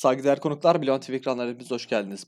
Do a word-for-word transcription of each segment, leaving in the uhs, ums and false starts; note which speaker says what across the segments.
Speaker 1: Saygıdeğer konuklar, Bilon T V ekranlarına hepiniz hoş geldiniz.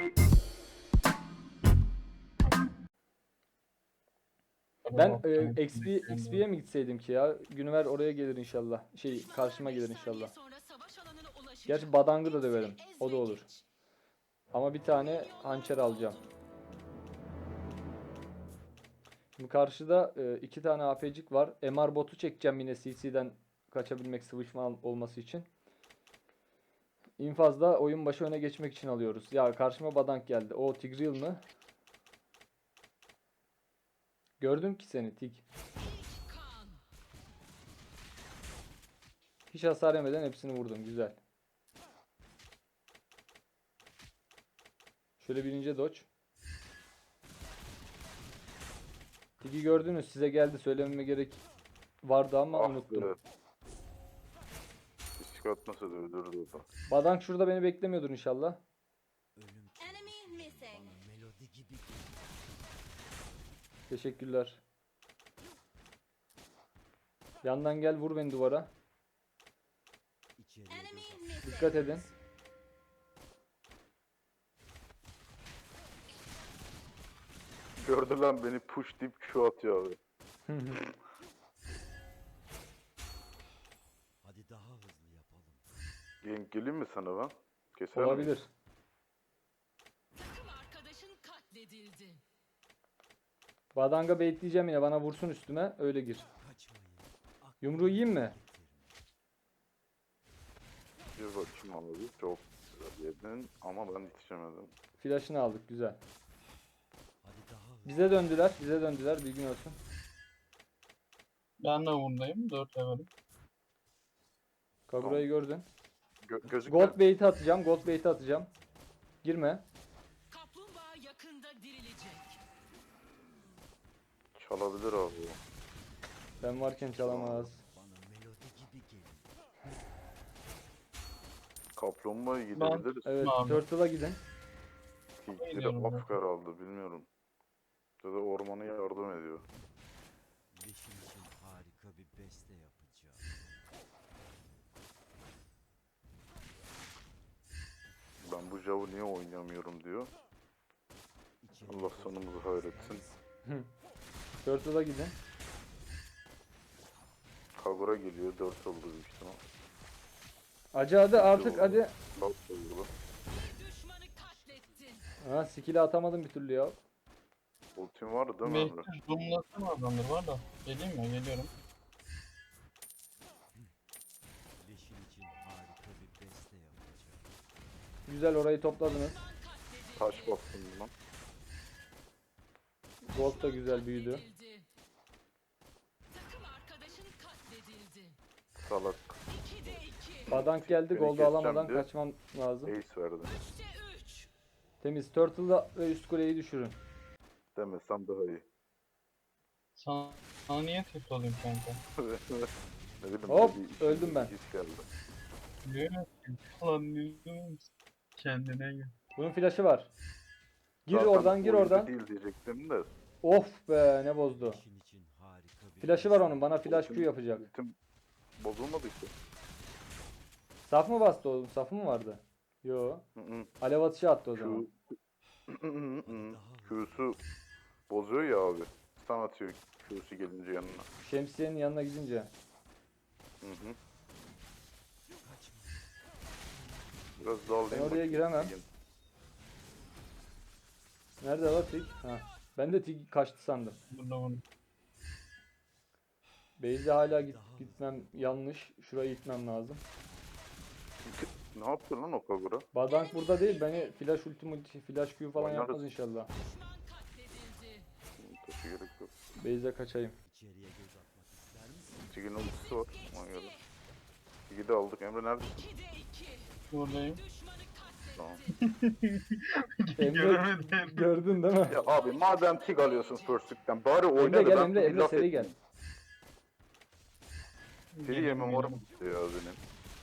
Speaker 2: Ben e, X P, X P'ye mi gitseydim ki ya? Günüver oraya gelir inşallah. Şey karşıma gelir inşallah. Gerçi Badang'ı da döverim. O da olur. Ama bir tane hançer alacağım. Şimdi karşıda e, iki tane A P C var. M R botu çekeceğim yine C C'den kaçabilmek, sıvışma olması için. İnfazda oyun başı öne geçmek için alıyoruz. Ya karşıma Badang geldi. O Tigreal mı? Gördüm ki seni Tig. Hiç hasar yemeden hepsini vurdum. Güzel. Şöyle birinci dodge. Tig'i gördünüz. Size geldi. Söylememe gerek vardı ama
Speaker 3: Ah
Speaker 2: unuttum.
Speaker 3: be. Hiç çıkartmasa da öldürürdü o da.
Speaker 2: Badang şurada beni beklemiyordur inşallah. Teşekkürler. Yandan gel vur beni duvara. Dikkat edin.
Speaker 3: Gördü lan beni push deyip Q atıyor abi.
Speaker 4: Hadi daha hızlı yapalım.
Speaker 3: Gen geleyim mi sana ben? Keser
Speaker 2: Olabilir.
Speaker 3: miyiz?
Speaker 5: Takım arkadaşın katledildi.
Speaker 2: Badang'a baitleyeceğim yine. Bana vursun üstüme. Öyle gir.
Speaker 4: Kaçmayın.
Speaker 2: Yumruğu yiyeyim mi?
Speaker 3: Bir bakayım abi. Çok güzel yedin ama ben yetişemedim.
Speaker 2: Flash'ını aldık. Güzel.
Speaker 4: Hadi daha hızlı.
Speaker 2: Bize döndüler. Bize döndüler. Bilgin olsun.
Speaker 6: Ben de buradayım. dört levelim.
Speaker 2: Kagura'yı gördün.
Speaker 3: Gö gözükme.
Speaker 2: Gold bait'i atacağım. Gold bait'i atacağım. Girme.
Speaker 5: Kaplumbağa yakında dirilecek.
Speaker 3: Çalabilir abi o.
Speaker 2: Ben varken çalamaz.
Speaker 4: Bana melodi gibi gelin.
Speaker 3: Kaplumbağa'ya gidebiliriz.
Speaker 2: Evet.
Speaker 6: Abi.
Speaker 2: Turtle'a gidin.
Speaker 3: Tilkleri
Speaker 6: Gidiyorum ben.
Speaker 3: Afgar aldı bilmiyorum. Ya da ormana yardım ediyor.
Speaker 4: Leşin için harika bir beste yapacağım.
Speaker 3: Ben bu Jav'ı niye oynayamıyorum diyor.
Speaker 4: İçeri
Speaker 3: Allah sonumuzu hayretsin.
Speaker 2: Turtle'a gidin.
Speaker 3: Kagura geliyor. dört oldu büyük ihtimal.
Speaker 2: Acı hadi artık hadi.
Speaker 3: Bak oldu.
Speaker 5: Bir düşmanı katlettin.
Speaker 2: Ha skill'i atamadım bir türlü ya.
Speaker 3: Ultim var değil mi
Speaker 6: Belki
Speaker 3: Emre?
Speaker 6: zoomlasın adamdır var da. Geleyim mi? Geliyorum.
Speaker 4: Leşin için harika bir beste yapacağım.
Speaker 2: Güzel orayı topladınız.
Speaker 3: Taş bastım buna.
Speaker 2: Gold da güzel büyüdü.
Speaker 5: Katledildi. Takım arkadaşın katledildi.
Speaker 3: Salak.
Speaker 5: ikide iki.
Speaker 2: Badang geldi.
Speaker 3: Beni
Speaker 2: Gold'u
Speaker 3: keseceğim
Speaker 2: alamadan
Speaker 3: diye.
Speaker 2: kaçmam lazım.
Speaker 3: Ace verdi.
Speaker 5: üçte üç.
Speaker 2: Temiz. Turtle'da ve üst kuleyi düşürün.
Speaker 3: Demesem daha iyi.
Speaker 6: Sana, sana niye tepki olayım kanka?
Speaker 3: ne bileyim.
Speaker 2: Hop,
Speaker 3: bir- bir-
Speaker 2: öldüm ben.
Speaker 3: his geldi.
Speaker 6: Biliyor musun? Lan diyorsun. Kendine gel.
Speaker 2: Bunun flash'ı var. Gir
Speaker 3: Zaten
Speaker 2: oradan, gir
Speaker 3: oyuncu
Speaker 2: oradan.
Speaker 3: değil diyecektim de.
Speaker 2: Of be ne bozdu.
Speaker 4: Leşin için harika bir
Speaker 2: Flash'ı var
Speaker 4: beste
Speaker 2: onun. Bana flash Q
Speaker 3: Ultim-
Speaker 2: yapacak.
Speaker 3: ultim bozulmadı ki.
Speaker 2: Saf mı bastı oğlum? Safı mı vardı? Yo.
Speaker 3: Hı hı.
Speaker 2: Alev atışı attı o
Speaker 3: Q
Speaker 2: zaman.
Speaker 3: Q'su bozuyor ya abi. Stun atıyor Q'su gelince yanına.
Speaker 2: Şemsiyenin yanına gidince.
Speaker 3: Hı hı. Biraz daha alayım
Speaker 2: Ben oraya
Speaker 3: bakayım.
Speaker 2: giremem. Nerede var Tig? Ha. Ben de Tig kaçtı sandım.
Speaker 6: Burada bunu.
Speaker 2: Base'e hala git, gitmem yanlış. Şurayı gitmem lazım.
Speaker 3: Ne yaptı lan o Kagura?
Speaker 2: Badang burada değil. Beni flash ulti multi flash Q falan
Speaker 3: Oynarız.
Speaker 2: yapmaz inşallah.
Speaker 5: Düşman katledildi.
Speaker 3: Taşı gerek yok.
Speaker 2: Base'e kaçayım.
Speaker 4: İçeriye göz atmak ister misin?
Speaker 3: Tigin ultisi var. Ona göre. Tig'i de aldık. Emre neredesin?
Speaker 5: ikide iki.
Speaker 6: Buradayım.
Speaker 5: Düşmanı katledildi.
Speaker 3: Tamam.
Speaker 2: Emre
Speaker 6: Göremedim.
Speaker 2: gördün değil mi?
Speaker 3: Ya abi madem Tig alıyorsun first pick'ten bari oyna
Speaker 2: Emre
Speaker 3: da
Speaker 2: gel
Speaker 3: ben
Speaker 2: Emre
Speaker 3: bir
Speaker 2: Emre
Speaker 3: laf
Speaker 2: seri
Speaker 3: edeyim.
Speaker 2: gel.
Speaker 3: Seri yemem var mı gitti ya benim?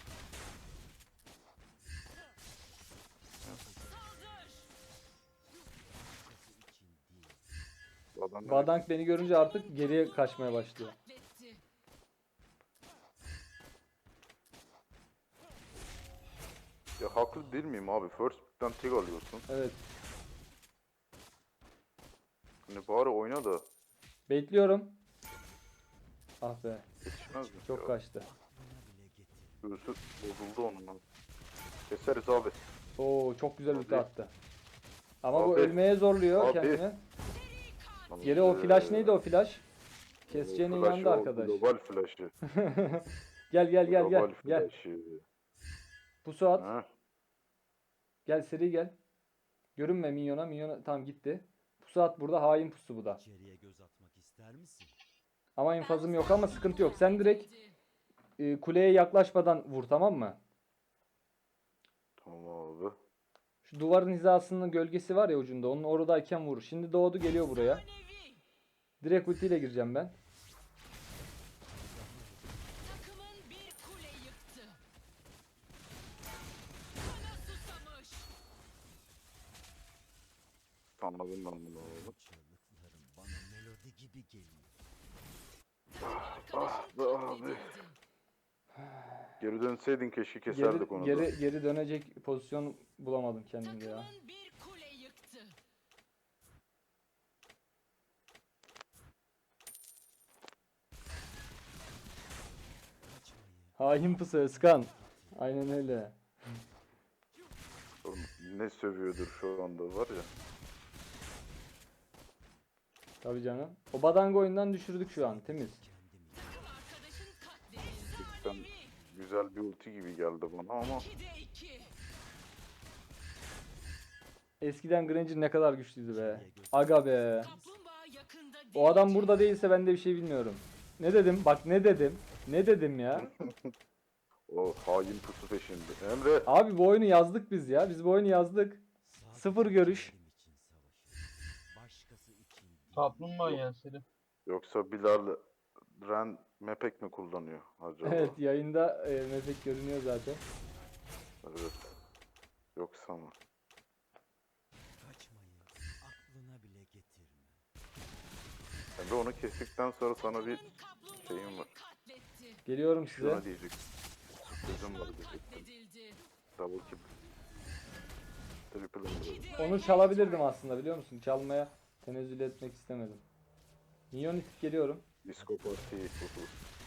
Speaker 5: Saldır.
Speaker 3: Adam ne-
Speaker 2: Badang beni görünce artık geriye kaçmaya başlıyor.
Speaker 5: Katletti.
Speaker 3: Ya haklı değil miyim abi? First pick'ten tek alıyorsun.
Speaker 2: Evet.
Speaker 3: Hani bari oyna da
Speaker 2: Bekliyorum. Ah be.
Speaker 3: yetişmez mi?
Speaker 2: Çok
Speaker 3: ya?
Speaker 2: kaçtı.
Speaker 3: Göğsü bozuldu onun lan. Keseriz abi.
Speaker 2: Oo çok güzel ulti
Speaker 3: Abi.
Speaker 2: attı. Ama bu
Speaker 3: Abi.
Speaker 2: ölmeye zorluyor
Speaker 3: Abi.
Speaker 2: kendini.
Speaker 3: Lan,
Speaker 2: Geri o
Speaker 3: eee,
Speaker 2: flash neydi o flash?
Speaker 3: o
Speaker 2: Keseceğinin
Speaker 3: flash,
Speaker 2: yanında
Speaker 3: o
Speaker 2: arkadaş.
Speaker 3: Global flash'ı.
Speaker 2: Gel gel gel gel.
Speaker 3: Global
Speaker 2: Gel.
Speaker 3: flash'ı.
Speaker 2: Pusu at.
Speaker 3: Ha?
Speaker 2: Gel seri gel. Görünme minyona. Minyona tamam gitti. Pusu at burada. Hain pusu bu da.
Speaker 4: İçeriye göz atmak ister misin?
Speaker 2: Ama infazım yok ama sıkıntı yok. Sen direkt e, kuleye yaklaşmadan vur, tamam mı?
Speaker 3: Tamam abi.
Speaker 2: Şu duvarın hizasının gölgesi var ya ucunda. Onun oradayken vur. Şimdi doğdu geliyor buraya.
Speaker 5: Nevi.
Speaker 2: Direkt ultiyle gireceğim ben.
Speaker 5: Takımın bir kule yıktı. Kana susamış.
Speaker 3: Anladım ben bunu abi.
Speaker 4: Çığlıklarım bana melodi gibi geliyor.
Speaker 3: Ah be abi. Geri dönseydin keşke
Speaker 2: Geri,
Speaker 3: keserdik onu da.
Speaker 2: geri, geri dönecek pozisyon bulamadım kendimde ya.
Speaker 5: Takımın bir kule yıktı.
Speaker 2: Hain pusu Özkan. Aynen öyle.
Speaker 3: Oğlum, ne sövüyordur şu anda var ya.
Speaker 2: Tabii canım. O badango oyundan düşürdük şu an. Temiz.
Speaker 5: Takım arkadaşın katledildi.
Speaker 3: Ben güzel bir ulti gibi geldi bana ama
Speaker 5: ikide iki.
Speaker 2: Eskiden Granger ne kadar güçlüydü be. Aga be.
Speaker 5: Kaplumbağa yakında değil.
Speaker 2: O adam burada değilse ben de bir şey bilmiyorum. Ne dedim? Bak ne dedim? Ne dedim ya?
Speaker 3: o hain pusu peşinde. Emre
Speaker 2: Abi bu oyunu yazdık biz ya. Biz bu oyunu yazdık. Sıfır görüş.
Speaker 4: Benim için savaşır. Başkası için değil.
Speaker 6: Kaplumbağa gelseydi.
Speaker 3: yoksa Bilal Ren Mepek mi kullanıyor acaba?
Speaker 2: Evet yayında e, mefek görünüyor zaten.
Speaker 3: Evet. Yoksa mı?
Speaker 4: Kaçmayı aklına bile getirme.
Speaker 3: Emre onu kestikten sonra sana bir
Speaker 5: Takımın
Speaker 3: şeyim var.
Speaker 5: kaplumbağayı katletti.
Speaker 2: Geliyorum size.
Speaker 3: Şuna diyecek. Sürprizim var diyecektim.
Speaker 5: Katledildi.
Speaker 3: Double kill. Triple Emre.
Speaker 5: İkide
Speaker 2: Onu
Speaker 5: iki.
Speaker 2: çalabilirdim aslında biliyor musun? Çalmaya tenezzül etmek istemedim. Minyon itip geliyorum.
Speaker 3: Disco Party. Uhu.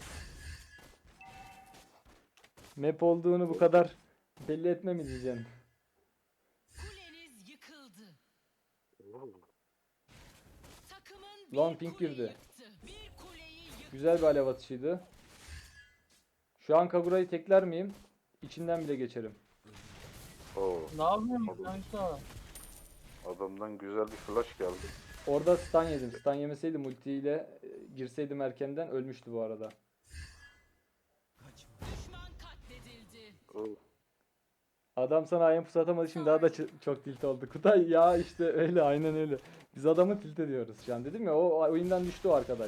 Speaker 2: Map olduğunu bu kadar belli etme mi diyeceksin?
Speaker 5: Kuleniz yıkıldı.
Speaker 3: Oo.
Speaker 5: Takımın bir
Speaker 2: Long pink
Speaker 5: kule
Speaker 2: girdi.
Speaker 5: yıktı. Bir kuleyi yıktı.
Speaker 2: Güzel bir alev atışıydı. Şu an Kagura'yı tekler miyim? İçinden bile geçerim.
Speaker 3: Oo.
Speaker 6: Ne yapıyorsun kanka?
Speaker 3: Adamdan güzel bir flash geldi.
Speaker 2: Orada stun yedim. Stun yemeseydim ultiyle e, girseydim erkenden ölmüştü bu arada.
Speaker 4: Kaçma.
Speaker 5: Düşman katledildi.
Speaker 3: Oo.
Speaker 2: Adam sana ayın pusu atamadı şimdi daha da ç- çok tilt oldu. Kutay ya işte öyle aynen öyle. Biz adamı tilt ediyoruz şu an dedim ya o oyundan düştü o arkadaş.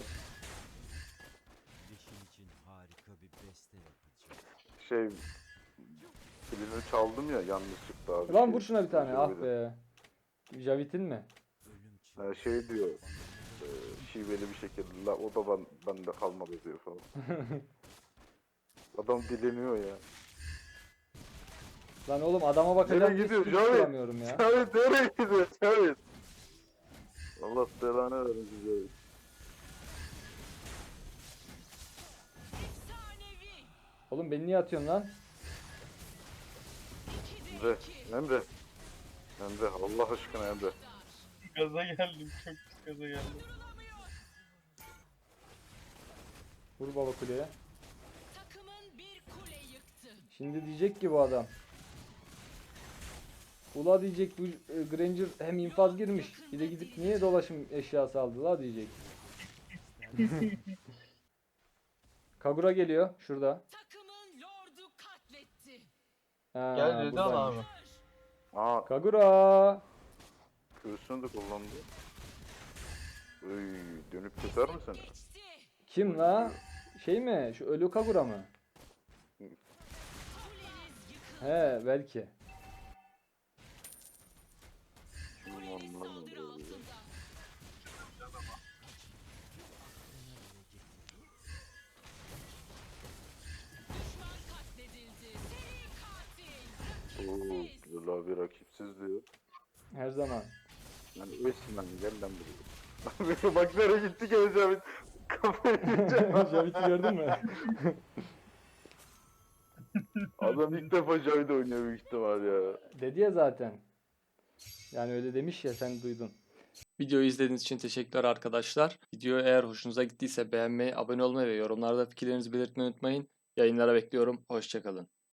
Speaker 4: Yeşil için harika bir beste yapacağım.
Speaker 3: Şey filini çaldım ya yanlışlıkla abi.
Speaker 2: Lan
Speaker 3: Şey,
Speaker 2: vur şuna bir tane ah
Speaker 3: Javit'in.
Speaker 2: be. Javid'in mi?
Speaker 4: Ölüm
Speaker 3: Ha, şey diyor. E, şiveli bir şekilde. La, o da ben, bende kalmadı diyor falan. Adam dileniyor ya.
Speaker 2: Lan oğlum adama bakacağım
Speaker 3: Nereye
Speaker 2: diye
Speaker 3: gidiyor
Speaker 2: skill
Speaker 3: Javit?
Speaker 2: tutturamıyorum ya.
Speaker 3: Cavit nereye gidiyor Cavit? Allah belanı versin Cavit.
Speaker 5: Efsanevi.
Speaker 2: Oğlum beni niye atıyorsun lan?
Speaker 5: İkide
Speaker 3: Emre,
Speaker 5: iki.
Speaker 3: Emre. Emre Allah aşkına Emre.
Speaker 6: Gaza geldim. Çok pis gaza geldim.
Speaker 2: Vur baba kuleye.
Speaker 5: Takımın bir kule yıktı.
Speaker 2: Şimdi diyecek ki bu adam. Ula diyecek bu e, Granger hem infaz girmiş. Bir de gidip niye dolaşım eşyası aldı la diyecek. Kagura geliyor şurada.
Speaker 5: Takımın lordu katletti.
Speaker 2: Ha,
Speaker 6: Gel Red'i al
Speaker 2: buradaymış.
Speaker 6: abi.
Speaker 3: Aa
Speaker 2: Kagura.
Speaker 3: göğsünü de kullandı. Öy, dönüp keser mi seni?
Speaker 5: Geçti.
Speaker 2: Kim la? Şey mi? Şu ölü Kagura mı?
Speaker 5: Kuleniz yıkıldı.
Speaker 2: He belki.
Speaker 3: Kim
Speaker 5: Kuleniz
Speaker 3: anlamadım
Speaker 5: saldırı
Speaker 3: böyle.
Speaker 5: altında. Düşman katledildi. Seri katil.
Speaker 3: Oo. Erol abi rakipsiz diyor.
Speaker 2: Her zaman.
Speaker 3: Yani Osman gel lan buraya. Bak nereye gitti gene Cavit. Kafayı yiyeceğim.
Speaker 2: Javit'i gördün mü?
Speaker 3: Adam ilk defa Cavit oynuyor büyük ihtimal ya.
Speaker 2: Dedi ya zaten. Yani öyle demiş ya, sen duydun.
Speaker 1: Videoyu izlediğiniz için teşekkürler arkadaşlar. Video eğer hoşunuza gittiyse beğenmeyi, abone olmayı ve yorumlarda fikirlerinizi belirtmeyi unutmayın. Yayınlara bekliyorum. Hoşça kalın.